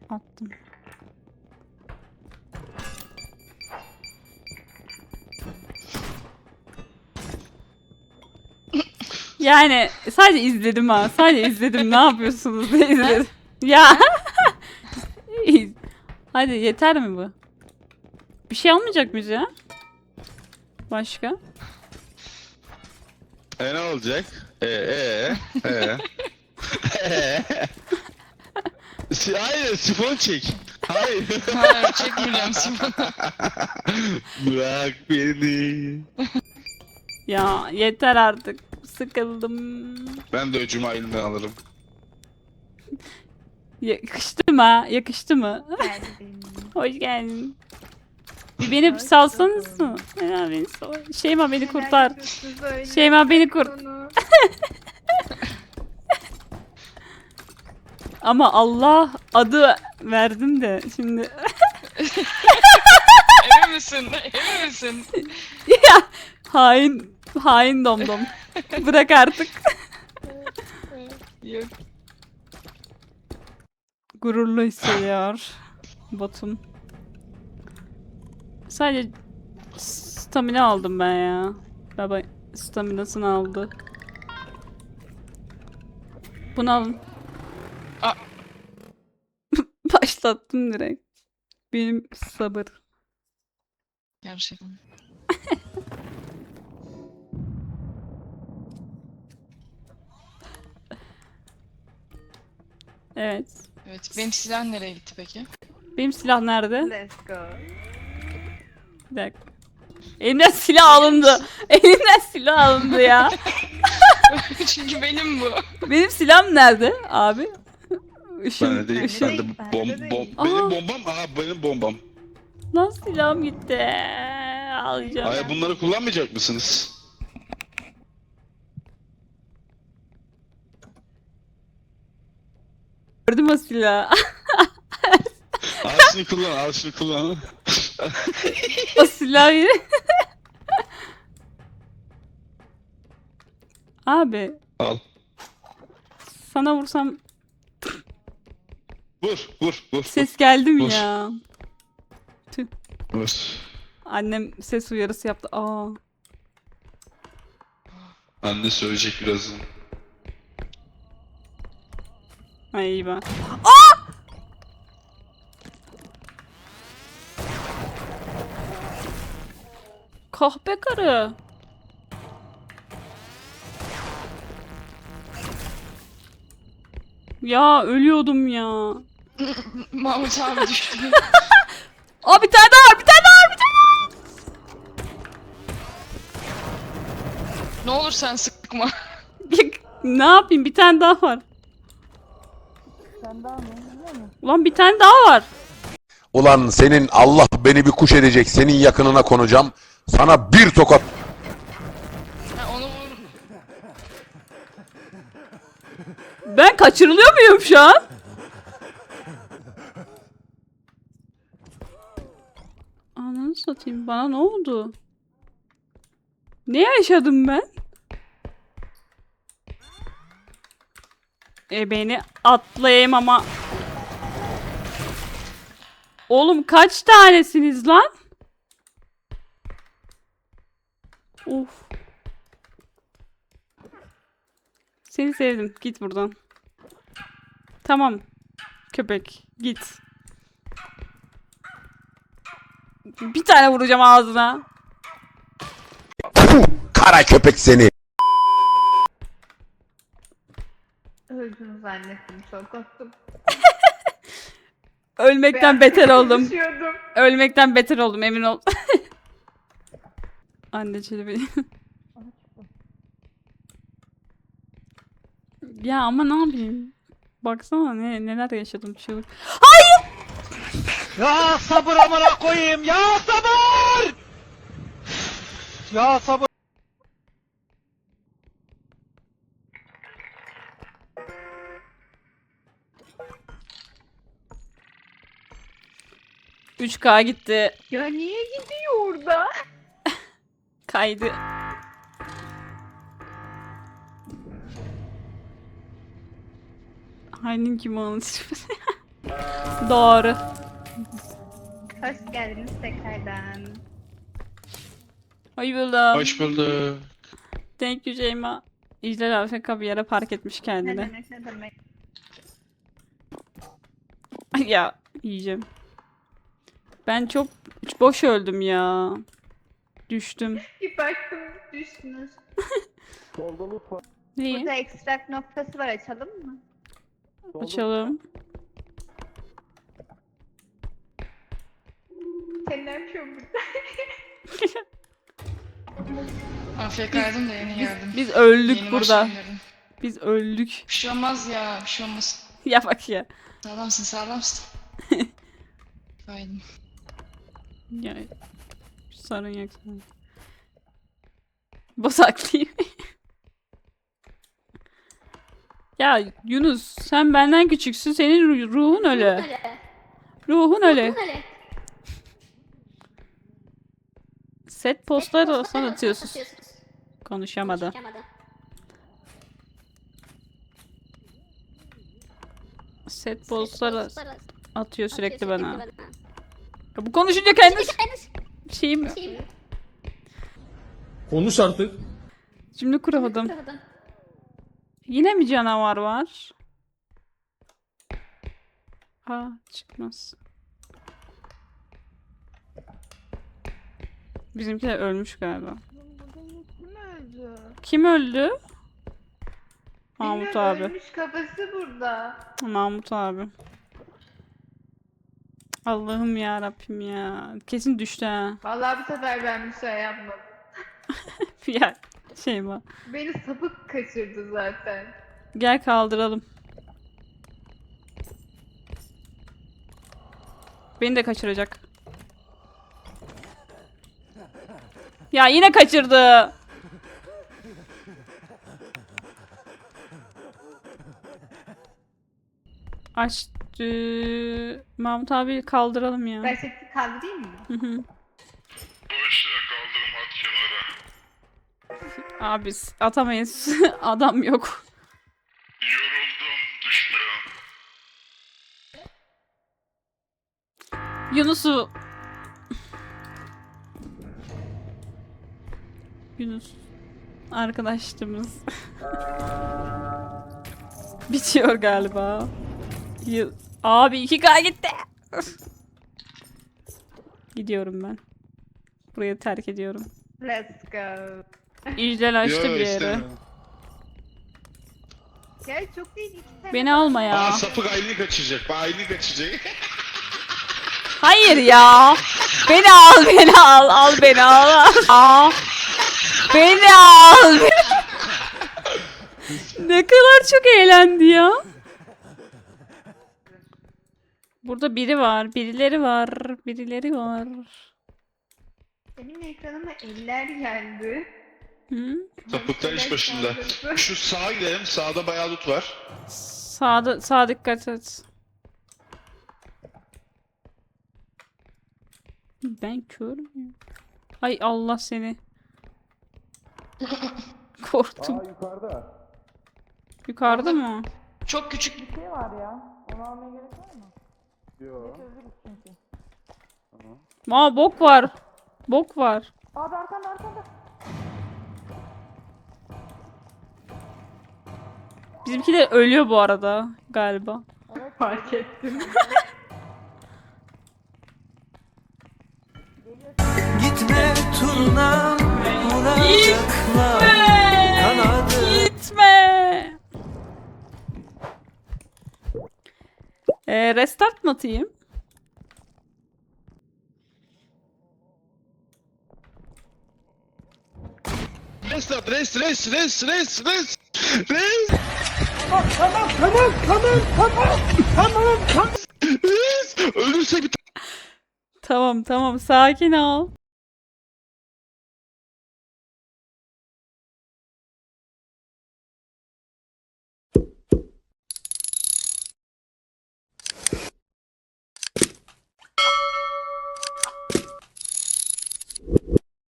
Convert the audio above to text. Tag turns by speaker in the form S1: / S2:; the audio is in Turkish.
S1: Attım. Yani sadece izledim ha. Sadece izledim. Ne yapıyorsunuz diye izledim. Ya. Hadi yeter mi bu? Bir şey almayacak mıyız ya? Başka?
S2: Ne olacak? Ee? Hayır, sifon çek. Hayır.
S3: Hayır çekmeyeceğim sifonu.
S2: Bırak beni.
S1: Ya yeter artık. Sıkıldım.
S2: Ben de öcümü elinden alırım.
S1: Yakıştı mı? Yakıştı mı?
S4: Geldin.
S1: Hoş geldin. Bir beni bir salsanız mı? Şeyma beni kurtar. Şeyma beni kurt. Ama Allah adı verdim de şimdi.
S3: Emin misin? Emin misin?
S1: Ya hain domdom. Bırak artık.
S3: Yok.
S1: Gururlu hissediyor botum. Sadece stamina aldım ben ya. Baba staminasını aldı. Bunu alın.
S3: Aa.
S1: Başlattım direkt. Benim sabır.
S3: Gerçekten.
S1: Evet.
S3: Evet. Benim silah nereye gitti peki?
S1: Benim silah nerede?
S4: Let's go.
S1: Bir dakika. Elimden silah alındı. Elimden silah alındı ya.
S3: Çünkü benim bu.
S1: Benim silahım nerede abi? Işın,
S2: Ben de değil.
S1: ışın.
S2: Ben de
S4: Bende değil.
S1: Aha.
S2: benim bombam. Aha benim bombam.
S1: Lan silahım gitti. Alacağım.
S2: Hayır, bunları kullanmayacak mısınız?
S1: Gördüm o silahı.
S2: Al şunu kullan, al şunu kullan.
S1: O silahı. Abi
S2: Al.
S1: sana vursam
S2: Vur.
S1: ses geldi mi
S2: Vur.
S1: ya? Tüh.
S2: Vur.
S1: Annem ses uyarısı yaptı. Aa.
S2: Anne söyleyecek birazdan.
S1: Ay iyi ben. Kahpe karı. Ya ölüyordum ya.
S3: Mahmut abi düştü.
S1: Aa bir tane daha var, bir tane daha var, bir tane
S3: Ne olur sen sıkma.
S1: daha. Ne yapayım? Bir tane daha var. Ulan bir tane daha var.
S5: Ulan senin Allah beni bir kuş edecek, senin yakınına konacağım. Sana bir tokat.
S3: Ha, onu vur.
S1: Ben kaçırılıyor muyum şu an? Ananı satayım. Bana ne oldu? Ne yaşadım ben? Beni atlayayım ama. Oğlum kaç tanesiniz lan? Of. Seni sevdim. Git buradan. Tamam. Köpek. Git. Bir tane vuracağım ağzına.
S5: Puh, kara köpek seni.
S4: Öldüm zannettim. Çok korktum.
S1: Ölmekten beter oldum.
S4: Düşüyordum.
S1: Ölmekten beter oldum emin ol. Anne çelebi. Ya ama ne yapayım? Baksana neler yaşadım çığlık.
S6: Ya sabır amına koyayım ya sabır! Ya sabır!
S1: Üç k gitti.
S4: Ya niye gidiyor orada?
S1: Kaydı. Hainin kim anlatıyor? Doğru.
S4: Hoş geldiniz tekrardan.
S1: Hoş buldum.
S2: Hoş bulduk.
S1: Thank you Şeyma. İclal AFK bir yere park etmiş
S4: Ne
S1: kendini.
S4: demek ne demek.
S1: Ya yiyeceğim. Ben çok boş öldüm ya. Düştüm.
S4: Bir baktım düştünüz.
S1: Neyi?
S4: Burada ekstrak noktası var, açalım mı?
S1: Açalım.
S4: Sen ne yapıyorsun burada?
S3: AFK'ydım da yeni geldim.
S1: Biz öldük
S3: Yeni
S1: burada.
S3: başlayın.
S1: Biz öldük.
S3: Bir şey olmaz ya, bir şey olmaz.
S1: Ya bak ya.
S3: Sağlamsın, sağlamsın. Aynen.
S1: Ya. Sorun yok. Sorun yok. Bozaklıyım. Ya Yunus sen benden küçüksün. Senin ruhun öyle. Ruhun öyle. Set postları sana atıyorsun. Konuşamadı. Set postları atıyor sürekli bana. Ya bu konuşunca kendi şeyim
S6: Konuş artık.
S1: cümle kuramadım. Yine mi canavar var? Aa çıkmaz. Bizimkiler ölmüş galiba.
S4: Kim öldü?
S1: Kim öldü? Mahmut
S4: Bilmiyorum,
S1: abi.
S4: ölmüş kafası burada.
S1: Mahmut abi. Allah'ım ya Rabbim ya. Kesin düştü ha.
S4: Vallahi bu sefer ben bir şey yapmadım.
S1: Ya şey var.
S4: Beni sapık kaçırdı zaten.
S1: Gel kaldıralım. Beni de kaçıracak. Ya yine kaçırdı. Açtı. Mahmut abi kaldıralım ya.
S4: Ben seni kaldırayım mı?
S1: Hı hı. Abi atamayız. Adam yok. Yunus'u Yunus arkadaşımız bitiyor galiba. Abi 2K gitti. Gidiyorum ben. Burayı terk ediyorum.
S4: Let's go.
S1: İclal açtı bir yere.
S2: istemiyorum.
S4: Gel çok değil, iki tane.
S1: Beni alma ya.
S2: Aa sapık Aylin'i kaçıracak. Aylin'i kaçıracak.
S1: Hayır ya. Beni al, beni al, al beni al. Aa. Beni al. Ne kadar çok eğlendi ya. Burada biri var, birileri var, birileri var.
S4: Benim ekranıma eller geldi.
S1: Hı?
S2: Sapıklar iş başında. Şu sağa gidelim. Sağda bayağı loot var.
S1: Sağa dikkat et. Ben kör müyüm? Ay Allah seni. Korktum.
S6: Yukarıda.
S1: Yukarıda mı?
S3: Çok küçük bir
S1: Aa bok var. Bok var. Bizimkiler ölüyor bu arada galiba.
S4: Fark ettim.
S7: Gitme turna vuracaklar kanadı.
S1: Gitme. Restart mı atayım?
S2: Restart, res. Ölürse bir
S1: Tamam sakin ol.